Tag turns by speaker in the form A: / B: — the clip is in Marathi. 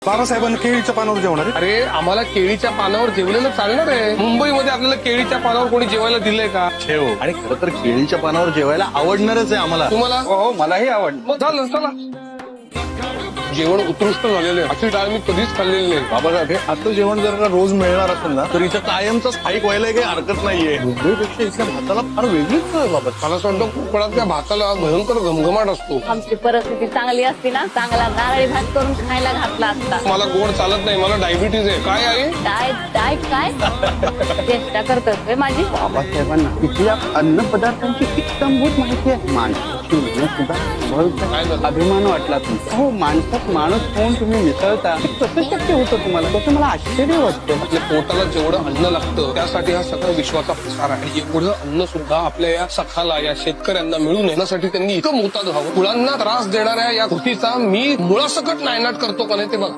A: बाबासाहेबांना केळीच्या पानावर जेवणार आहे.
B: अरे आम्हाला केळीच्या पानावर जेवलेलं चालणार आहे. मुंबईमध्ये आपल्याला केळीच्या पानावर कोणी जेवायला दिलंय का?
A: ठेव. आणि खरं तर केळीच्या पानावर जेवायला आवडणारच आहे आम्हाला.
B: तुम्हाला
A: हो मलाही आवडतं.
B: मग झालं चला. जेवण उत्कृष्ट झालेलं आहे. अशी डाळ मी कधीच खाल्लेली नाही.
A: बाबासाहेब हे असं जेवण जर का रोज मिळणार असेल ना तर इथं कायमचं स्थायिक व्हायला काही हरकत नाहीये. मुंबईपेक्षा इथल्या भाताला फार वेगळीच आहे बाबा.
B: मला असं वाटतं कोकणातल्या भाताला भयंकर घमघमाट असतो.
C: आमची परिस्थिती चांगली असती ना चांगला नारळी भात करून खायला घातला असता.
B: मला गोड चालत नाही. मला डायबिटीज आहे. काय आहे?
C: डाएट डाएट काय चेष्टा करतोय माझी.
D: बाबासाहेबांना इथल्या अन्न पदार्थांची इत्तमभूत माहिती आहे. माणसाची मेहनत सुद्धा
B: काय झालं?
D: अभिमान वाटला तुमचा. हो माणसात माणूस होऊन तुम्ही मिसळता हे कसं शक्य होतं तुम्हाला तसं मला आश्चर्य वाटतं.
B: आपल्या पोटाला जेवढं अन्न लागतं त्यासाठी हा सगळा विश्वाचा प्रसार आहे. आणि एवढं अन्न सुद्धा आपल्या या सखाला या शेतकऱ्यांना मिळून येण्यासाठी त्यांनी इतकं मोताद व्हावं. मुलांना त्रास देणाऱ्या या कृतीचा मी मुळासकट नायनाट करतो का नाही ते बघा.